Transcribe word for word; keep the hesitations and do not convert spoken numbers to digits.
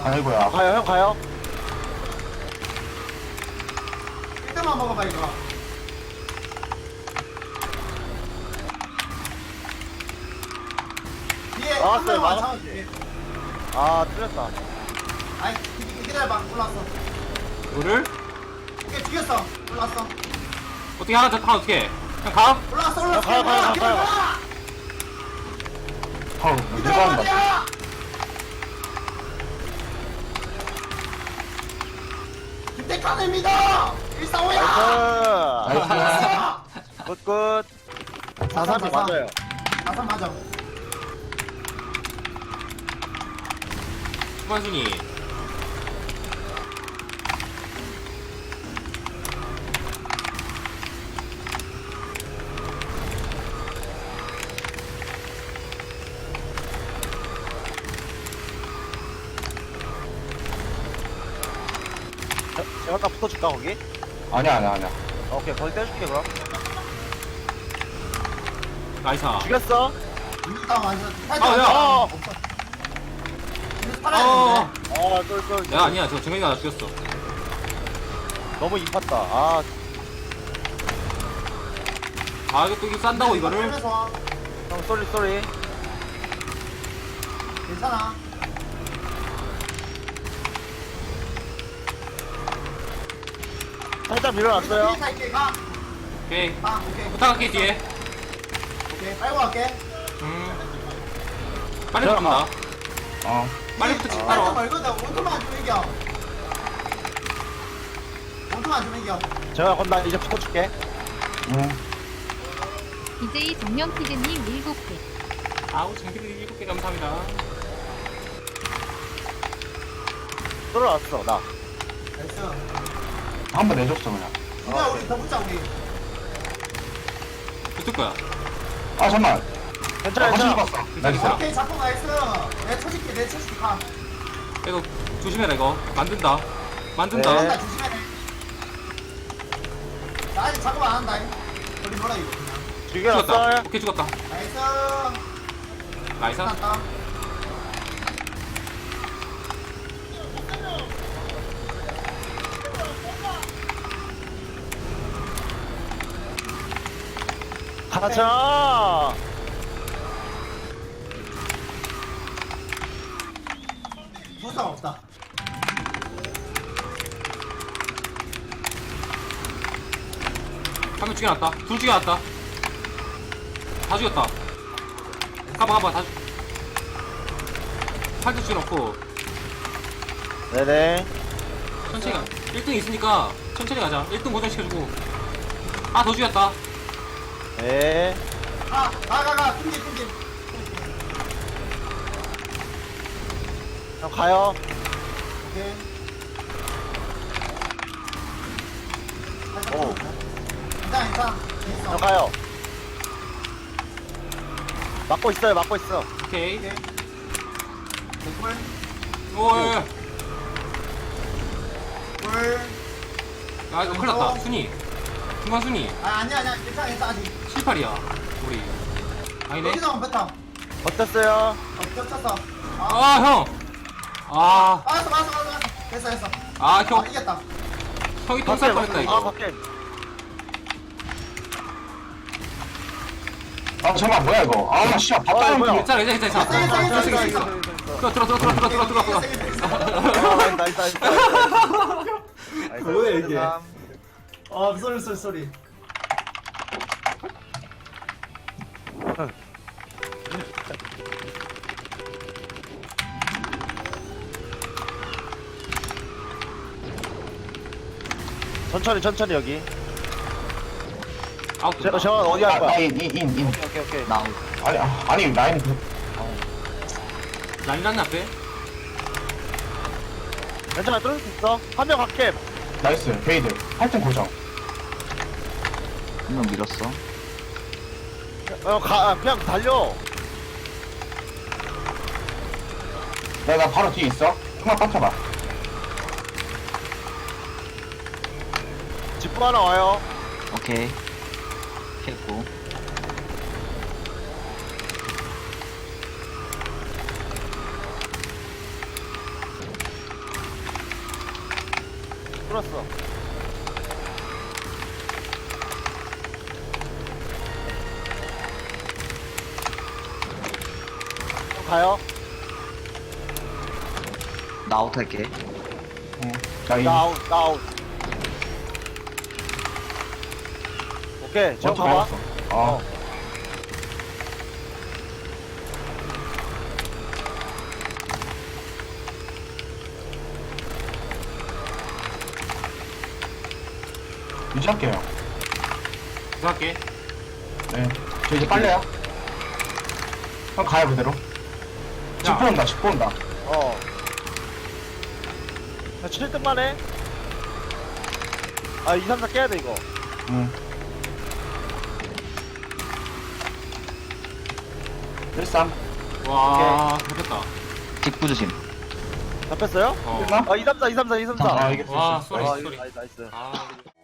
아이고야. 가요 형 가요. 일 등만 먹어봐 이거. 뒤에 한 나왔어요, 명만 나왔- 잡아줄게. 아 틀렸다. 아이 기- 기다려봐. 올라왔어. 이거를 오케이 죽였어. 올라왔어. 어떻게 하나 더 타 어떻게? 그냥 가? 올라왔어 올라왔어. 가요, 가요, 가요, 기다려. 아우, 기다려. 누가 한다. 기다려. 김태칸입니다. 일사오야. 나이스. 나이스. 굿굿. 사삼이 맞아요. 나선 맞아. 후반순위. 저- 제가 아까 붙어줄까 거기? 아니야, 아니야, 아니야. 오케이 거기 떼줄게 그럼. 나이사. 죽였어. 이거 완전. 아, 야. 어. 없어. 이거 살아야 어. 되는데. 아 똘똘. 내가 아니야. 저 정현이가 나 죽였어. 너무 입았다. 아 아 이거 또 이거 싼다고 이거를? 살면서 형 쏘리 쏘리. 괜찮아. 살짝 밀어놨어요. 뒤에 갈게. 가. 오케이. 가. 오케이. 부탁할게 뒤에. 오케이. 빨고 갈게. 음. 빨리 자, 갑니다. 어. 빨리부터 집 빨리 따라. 말거든. 원투만 안 주면 이겨. 원투만 안 주면 이겨. 제가 그럼 나 이제 붙어줄게. 응. 디제이 정명피드님 일곱 개. 아우 장비들 일곱 개 감사합니다. 쏠어놨어 나. 나이스. 한 번 내줬어, 그냥. 이제 우리 더 붙자 우리. 붙을 거야. 아, 잠깐만. 괜찮아 아, 같이 괜찮아. 죽었어. 나이스. 오케이 잡고 나이스. 내 쳐줄게. 내 쳐줄게. 가. 이거 조심해라 이거. 만든다. 만든다. 네. 나 조심해. 나 아직 작업 안 한다. 우리 뭐라 이거 그냥. 죽였다. 죽여놨어. 오케이 죽었다. 나이스. 나이스. 끝났다. 가자. 부상 없다. 한 명 죽여놨다. 둘 죽여놨다. 다 죽였다. 가봐 가봐 다 죽. 팔도 죽여놓고 네네. 천천히 가. 일 등 있으니까 천천히 가자. 일 등 고정시켜주고. 아 더 죽였다. 네. 가. 가. 가. 가. 튕기 튕기. 형 가요. 오케이. 오. 괜찮아 괜찮아. 형 가요. 막고 있어요 막고 있어. 오케이. 오케이. 물. 오예. 물. 아 이거 큰일 났다. 순위. 중간 순위. 아 아니야 아니야 괜찮아 괜찮아 아직. 칠, 팔이야. 우리. 아니네. 여기서 한번 뱉어. 어땠어요? 어 겹쳤어. 아. 아 형. 아. 맞았어 맞았어 맞았어. 됐어 됐어. 아 아 형. 이겼다. 형이 똥쌀 뻔했다 아 이거. 밖에. 아, 잠깐만, 뭐야, 이거. 아, 씨, 밥 어, 따는 뭐야. 거. 괜찮아 괜찮아 괜찮아. 됐어, 됐어, 괜찮아. 됐어, 있어, 됐어, 있어. 들어 들어 들어 들어 들어 들어 들어 들어. 아, 나이스 나이스 나이스. 뭐야, 이게? 삼. 아 쏘리 쏘리 쏘리. 천천히 천천히 여기. 아웃. 저, 저 어디 할 아, 거야? 인, 인, 인, 인. 오케이 오케이. 아니, 아, 아니, 라인. 그- 난리 났네 앞에. 괜찮아 뚫을 수 있어. 한 명 갈게. 나이스. 베이드. 팔 등 고정. 한 명 밀었어. 어 가, 그냥 달려. 야, 나 바로 뒤에 있어. 한번 빠져봐. 직구 하나 와요. 오케이. 했고. 뚫었어. 형 가요. 나 아웃 할게. 응. 나 이. 나 아웃, 나 아웃. 오케이, 저 먼저 가봐. 맞았어. 어. 유지할게요. 부탁할게. 네. 저 이제 빨래야. 형 가요 그대로. 직보 온다. 직보 온다. 어. 나 칠 등만 해. 아, 이, 삼, 사 깨야 돼, 이거. 응. 일삼. 와, 됐다. 직부 조심. 잡혔어요? 어. 끝나? 아, 이, 삼, 사, 이, 삼, 사, 이, 삼, 사. 아 이게 와, 됐어. 쏘리, 아, 쏘리. 나이스, 나이스. 아.